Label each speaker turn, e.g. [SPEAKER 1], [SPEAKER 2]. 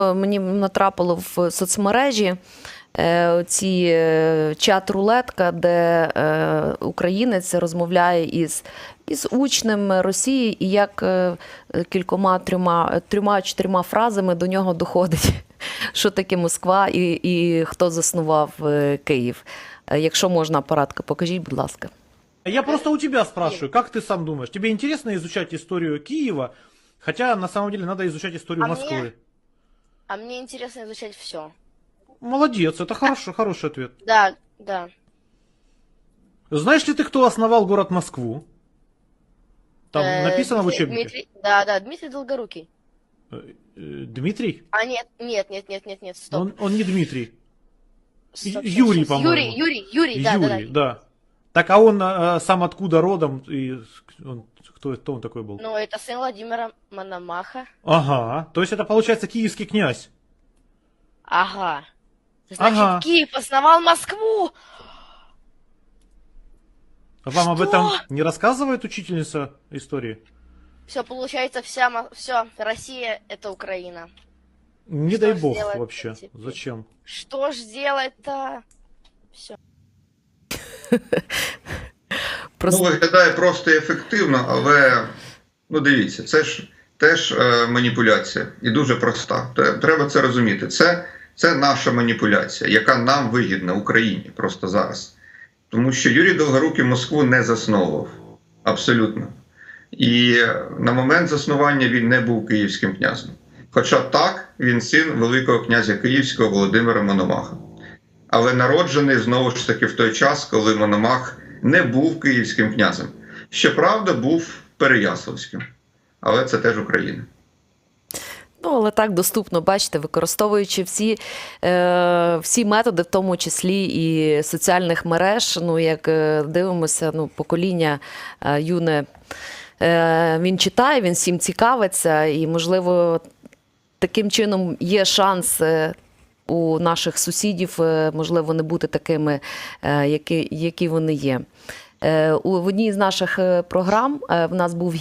[SPEAKER 1] Мені натрапило в соцмережі ці чат-рулетка, де українець розмовляє із учнем Росії, і як трьома-чотирма фразами до нього доходить, що таке Москва і хто заснував Київ. Якщо можна, апаратка, покажіть, будь ласка.
[SPEAKER 2] Я просто у тебя спрашиваю, как ты сам думаешь, тебе интересно изучать историю Киева, хотя на самом деле надо изучать историю Москвы?
[SPEAKER 3] А мне интересно изучать все.
[SPEAKER 2] Молодец, это хороший ответ.
[SPEAKER 3] Да, да.
[SPEAKER 2] Знаешь ли ты, кто основал город Москву? Там написано в учебнике.
[SPEAKER 3] Да, Дмитрий Долгорукий.
[SPEAKER 2] Дмитрий?
[SPEAKER 3] А нет, стоп.
[SPEAKER 2] Он не Дмитрий.
[SPEAKER 3] Стоп,
[SPEAKER 2] Юрий, по-моему.
[SPEAKER 3] Юрий, да.
[SPEAKER 2] Да. Так, а он сам откуда родом? И кто он такой был?
[SPEAKER 3] Ну, это сын Владимира Мономаха.
[SPEAKER 2] Ага, то есть это получается киевский князь.
[SPEAKER 3] Ага. Значит,
[SPEAKER 2] Ага.
[SPEAKER 3] Киев основал Москву.
[SPEAKER 2] Вам об
[SPEAKER 3] Что?
[SPEAKER 2] этом не рассказывает учительница истории?
[SPEAKER 3] Все, получается, все, Россия это Украина.
[SPEAKER 2] Не
[SPEAKER 3] Что
[SPEAKER 2] дай
[SPEAKER 3] ж
[SPEAKER 2] бог
[SPEAKER 3] делать
[SPEAKER 2] вообще.
[SPEAKER 3] теперь?
[SPEAKER 2] Зачем?
[SPEAKER 3] Что ж делать-то? Все.
[SPEAKER 1] Просто...
[SPEAKER 4] Ну, виглядає просто і ефективно, але, ну дивіться, це ж теж маніпуляція і дуже проста. Треба це розуміти. Це наша маніпуляція, яка нам вигідна, Україні, просто зараз. Тому що Юрій Довгорукий Москву не засновував. Абсолютно. І на момент заснування він не був київським князем. Хоча так, він син Великого князя Київського Володимира Мономаха. Але народжений знову ж таки в той час, коли Мономах не був київським князем. Щоправда, був Переяславським. Але це теж Україна.
[SPEAKER 1] Ну, але так доступно, бачите, використовуючи всі методи, в тому числі і соціальних мереж, ну, як дивимося, ну, покоління юне, він читає, він всім цікавиться, і, можливо, таким чином є шанс у наших сусідів, можливо, не бути такими, які вони є. В одній з наших програм в нас був